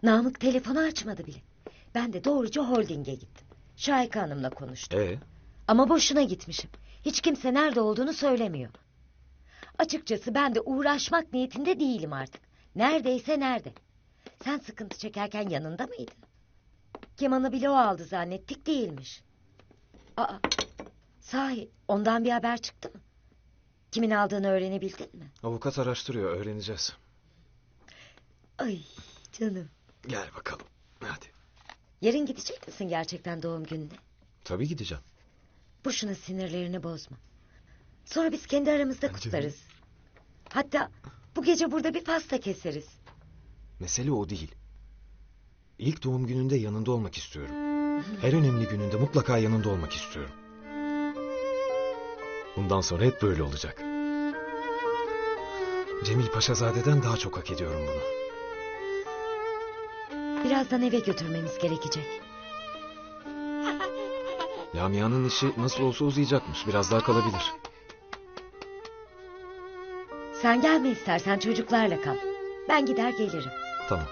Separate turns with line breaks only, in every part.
Namık telefonu açmadı bile. Ben de doğruca holdinge gittim. Şahika Hanım'la konuştum. Ama boşuna gitmişim. Hiç kimse nerede olduğunu söylemiyor. Açıkçası ben de uğraşmak niyetinde değilim artık. Neredeyse nerede. Sen sıkıntı çekerken yanında mıydın? Kemanı bile o aldı zannettik, değilmiş. Aa, sahi ondan bir haber çıktı mı? Kimin aldığını öğrenebildin mi?
Avukat araştırıyor, öğreneceğiz.
Ay canım.
Gel bakalım, hadi.
Yarın gidecek misin gerçekten doğum gününe?
Tabii gideceğim.
Boşuna sinirlerini bozma. Sonra biz kendi aramızda kutlarız. Hatta bu gece burada bir pasta keseriz.
Mesele o değil. İlk doğum gününde yanında olmak istiyorum. Her önemli gününde mutlaka yanında olmak istiyorum. Bundan sonra hep böyle olacak. Cemil Paşazade'den daha çok hak ediyorum bunu.
Birazdan eve götürmemiz gerekecek.
Lamia'nın işi nasıl olsa uzayacakmış. Biraz daha kalabilir.
Sen gelme istersen, çocuklarla kal. Ben gider gelirim.
Tamam.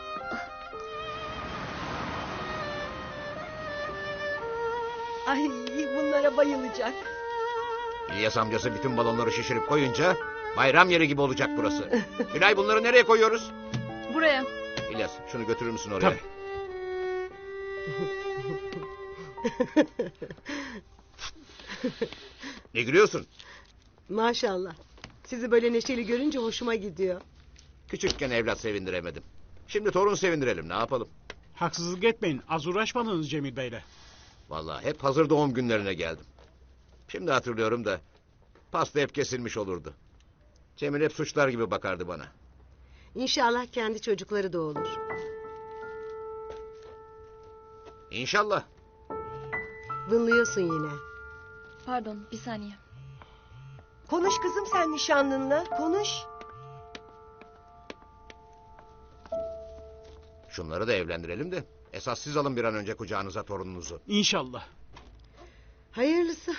Ay bunlara bayılacak.
İlyas amcası bütün balonları şişirip koyunca bayram yeri gibi olacak burası. Gülay, bunları nereye koyuyoruz?
Buraya.
İlyas, şunu götürür müsün oraya?
Tabii.
Ne gülüyorsun?
Maşallah. Sizi böyle neşeli görünce hoşuma gidiyor.
Küçükken evlat sevindiremedim. Şimdi torun sevindirelim, ne yapalım?
Haksızlık etmeyin. Az uğraşmadınız Cemil Bey'le.
Vallahi hep hazır doğum günlerine geldim. Şimdi hatırlıyorum da pasta hep kesilmiş olurdu. Cemil hep suçlar gibi bakardı bana.
İnşallah kendi çocukları da olur.
İnşallah.
Vınlıyorsun yine.
Pardon, bir saniye.
Konuş kızım sen nişanlınla, konuş.
Şunları da evlendirelim de esas siz alın bir an önce kucağınıza torununuzu.
İnşallah.
Hayırlısı.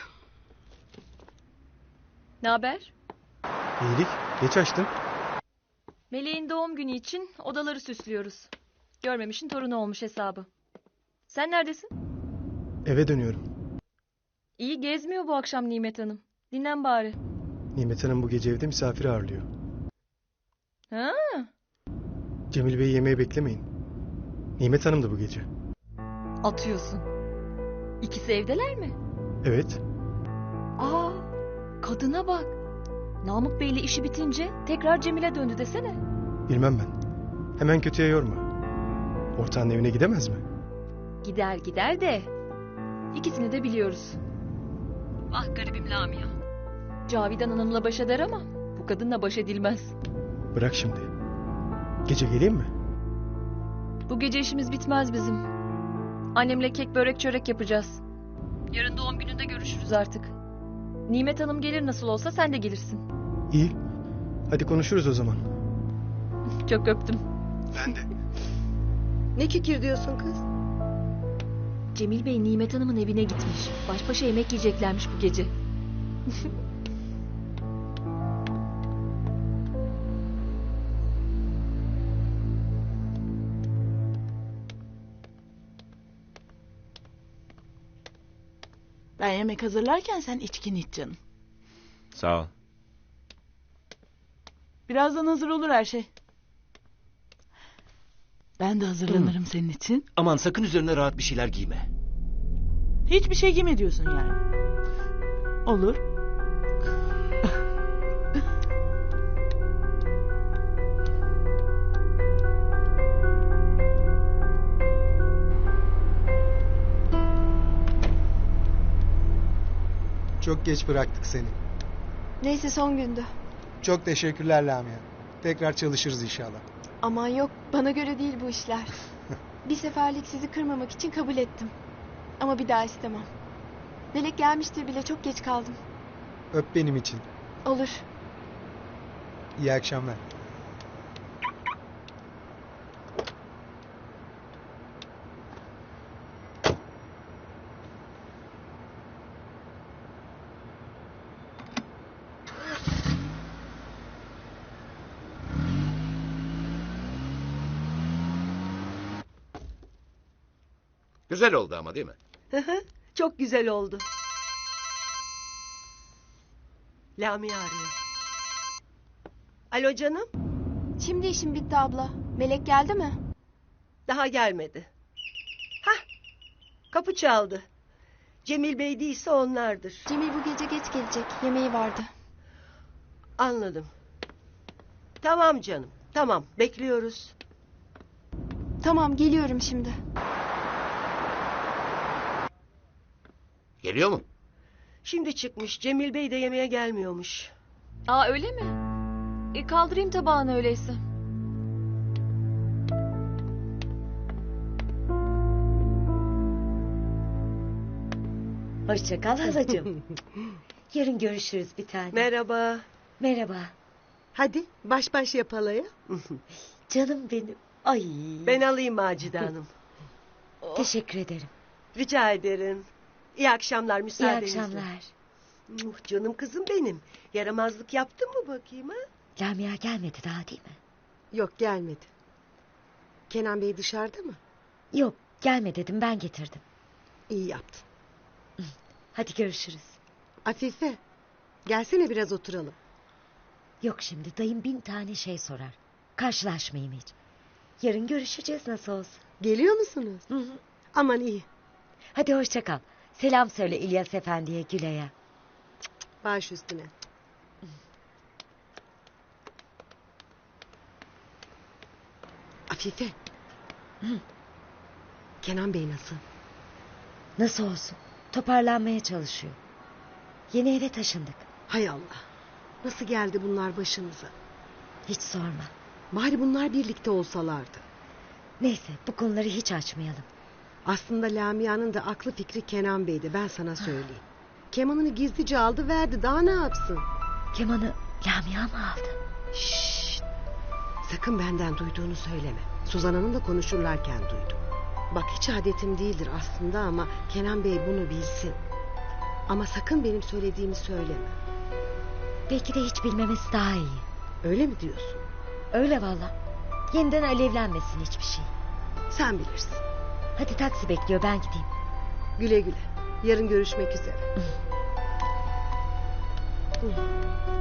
Ne haber?
İyilik. Geç açtın.
Meleğin doğum günü için odaları süslüyoruz. Görmemişin torunu olmuş hesabı. Sen neredesin?
Eve dönüyorum.
İyi gezmiyor bu akşam Nimet Hanım. Dinlen bari.
Nimet Hanım bu gece evde misafir ağırlıyor.
Ha?
Cemil Bey'i yemeğe beklemeyin. Nimet Hanım da bu gece.
Atıyorsun. İkisi evdeler mi?
Evet.
Aa, kadına bak. Namık Bey'le işi bitince tekrar Cemil'e döndü desene.
Bilmem ben. Hemen kötüye yorma. Ortağın evine gidemez mi?
Gider gider de ikisini de biliyoruz. Ah garibim Lamia. Cavidan Hanım'la baş eder ama bu kadınla baş edilmez.
Bırak şimdi. Gece geleyim mi?
Bu gece işimiz bitmez bizim. Annemle kek börek çörek yapacağız. Yarın doğum gününde görüşürüz artık. Nimet Hanım gelir nasıl olsa sen de gelirsin.
İyi. Hadi konuşuruz o zaman.
Çok öptüm.
Ben de.
Ne kikir diyorsun kız?
Cemil Bey Nimet Hanım'ın evine gitmiş. Baş başa yemek yiyeceklermiş bu gece.
Ben yemek hazırlarken sen içkin iç canım.
Sağ ol.
Birazdan hazır olur her şey. Ben de hazırlanırım senin için.
Aman sakın üzerine rahat bir şeyler giyme.
Hiçbir şey giyme diyorsun yani. Olur.
Çok geç bıraktık seni.
Neyse son gündü.
Çok teşekkürler Lamia. Tekrar çalışırız inşallah.
Aman yok, bana göre değil bu işler. Bir seferlik sizi kırmamak için kabul ettim. Ama bir daha istemem. Melek gelmiştir bile, çok geç kaldım.
Öp benim için.
Olur.
İyi akşamlar.
Güzel oldu ama değil mi?
Çok güzel oldu. Lamia arıyor. Alo canım.
Şimdi işim bitti abla. Melek geldi mi?
Daha gelmedi. Hah. Kapı çaldı. Cemil Bey değilse onlardır.
Cemil bu gece geç gelecek. Yemeği vardı.
Anladım. Tamam canım. Tamam, bekliyoruz.
Tamam geliyorum şimdi.
Geliyor mu?
Şimdi çıkmış. Cemil Bey de yemeğe gelmiyormuş.
Aa öyle mi? Kaldırayım tabağını öyleyse.
Hoşça kal halacığım. Yarın görüşürüz bir tane.
Merhaba.
Merhaba.
Hadi baş baş yapalım.
Canım benim. Ay.
Ben alayım Macide Hanım.
Teşekkür ederim.
Rica ederim. İyi akşamlar
İyi
müsaadenizle.
akşamlar.
Canım kızım benim. Yaramazlık yaptın mı bakayım ha?
Lamia gelmedi daha değil mi?
Yok gelmedi. Kenan Bey dışarıda mı?
Yok gelme dedim ben getirdim.
İyi yaptın.
Hadi görüşürüz.
Afife gelsene biraz oturalım.
Yok şimdi dayım 1000 tane şey sorar. Karşılaşmayayım hiç. Yarın görüşeceğiz nasıl olsa.
Geliyor musunuz?
Hı hı.
Aman iyi.
Hadi hoşça kal. Selam söyle İlyas Efendi'ye Gülay'a.
Baş üstüne. Afife. Kenan Bey nasıl?
Nasıl olsun? Toparlanmaya çalışıyor. Yeni eve taşındık.
Hay Allah. Nasıl geldi bunlar başımıza?
Hiç sorma.
Bari bunlar birlikte olsalardı.
Neyse bu konuları hiç açmayalım.
Aslında Lamia'nın da aklı fikri Kenan Bey'di, ben sana söyleyeyim. Kemanını gizlice aldı verdi, daha ne yapsın?
Kemanı Lamia mı aldı?
Şşşt. Sakın benden duyduğunu söyleme. Suzan Hanım'la konuşurlarken duydum. Bak hiç adetim değildir aslında ama Kenan Bey bunu bilsin. Ama sakın benim söylediğimi söyleme.
Belki de hiç bilmemesi daha iyi.
Öyle mi diyorsun?
Öyle valla. Yeniden alevlenmesin hiçbir şey.
Sen bilirsin.
Hadi taksi bekliyor ben gideyim.
Güle güle. Yarın görüşmek üzere.